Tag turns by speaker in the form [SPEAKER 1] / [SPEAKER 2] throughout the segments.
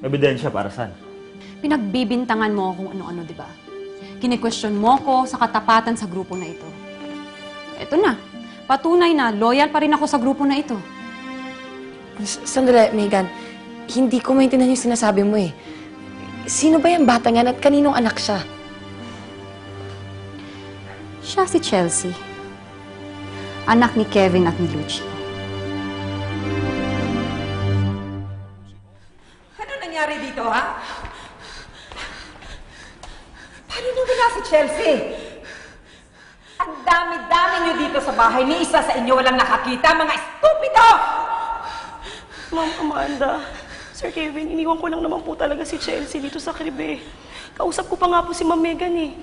[SPEAKER 1] Ebidensya para saan?
[SPEAKER 2] Pinagbibintangan mo kung ano-ano, di ba? Kine-question mo ko sa katapatan sa grupo na ito. Eto na, patunay na loyal pa rin ako sa grupo na ito.
[SPEAKER 3] Sandali, Megan. Hindi ko maintindihan yung sinasabi mo eh. Sino ba yung bata yan at kaninong anak siya?
[SPEAKER 2] Siya si Chelsea. Anak ni Kevin at ni Lucci.
[SPEAKER 4] Ano nangyari dito, ha? Paano nyo wala si Chelsea? Ang dami-dami nyo dito sa bahay. Ni isa sa inyo walang nakakita, mga estupido!
[SPEAKER 5] Ma'am Amanda, Sir Kevin, iniwan ko lang naman po talaga si Chelsea dito sa kribe. Kausap ko pa nga po si Ma'am Megan eh.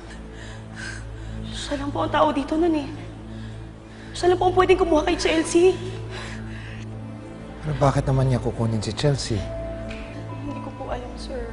[SPEAKER 5] Siya lang po ang tao dito nun eh. Siya lang po ang pwedeng kumuha kay Chelsea.
[SPEAKER 6] Pero bakit naman niya kukunin si Chelsea?
[SPEAKER 5] Hindi ko po alam, sir.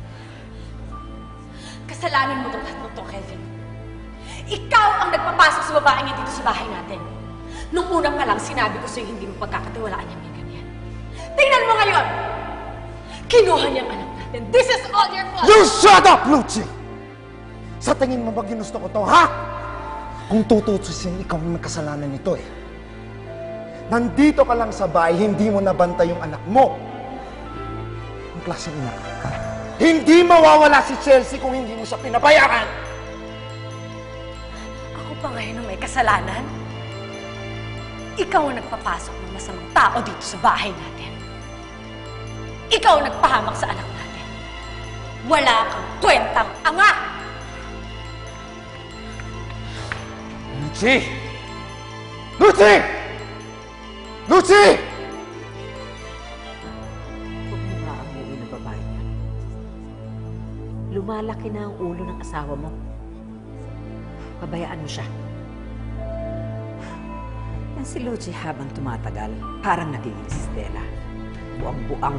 [SPEAKER 7] Kasalanan mo itong tatlong to, Kevin. Ikaw ang nagpapasok sa babaeng yan dito sa bahay natin. Nung unang pa lang, sinabi ko sa'yo hindi mo pagkakatiwalaan yung Megan yan. Tingnan mo ngayon! Kinuha niyang anak natin. This is all your fault!
[SPEAKER 6] You shut up, Lucci! Sa tingin mo ba ginusto ko to, ha? Kung tututusin, ikaw ang may kasalanan nito eh. Nandito ka lang sa bahay, hindi mo nabantay yung anak mo. Ang klaseng ina ka. Hindi mawawala si Chelsea kung hindi mo siya pinabayaan!
[SPEAKER 7] Ako pa ngayon ang may kasalanan? Ikaw ang nagpapasok ng masamang tao dito sa bahay natin. Ikaw ang nagpahamak sa anak natin. Wala kang kwentang ama!
[SPEAKER 6] Lucci! Lucci! Lucci!
[SPEAKER 8] Huwag mo nga amuin ang babae niya. Lumalaki na ang ulo ng asawa mo. Pabayaan mo siya. Yan si Lucci habang tumatagal, parang nagiging si Stella. Buang-buang.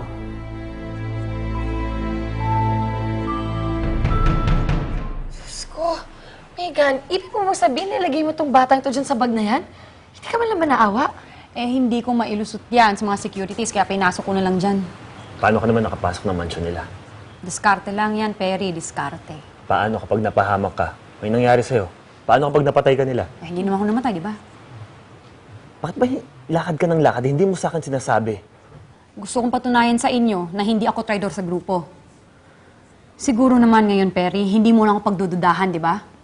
[SPEAKER 3] Diyos ko, Megan, ibig mo sabihin nilagay mo tong batang to dyan sa bag na yan? Hindi ka man lang ba naawa?
[SPEAKER 2] Eh, hindi ko mailusot yan sa mga securities, kaya pinasok ko na lang dyan.
[SPEAKER 1] Paano ka naman nakapasok ng mansion nila?
[SPEAKER 2] Diskarte lang yan, Perry, diskarte.
[SPEAKER 1] Paano kapag napahamak ka? May nangyari sa'yo? Paano kapag napatay ka nila?
[SPEAKER 2] Eh, hindi naman ako namatay, di ba?
[SPEAKER 1] Bakit ba lakad ka ng lakad? Hindi mo sa akin sinasabi.
[SPEAKER 2] Gusto kong patunayan sa inyo na hindi ako traidor sa grupo. Siguro naman ngayon, Perry, hindi mo lang ako pagdududahan, di ba?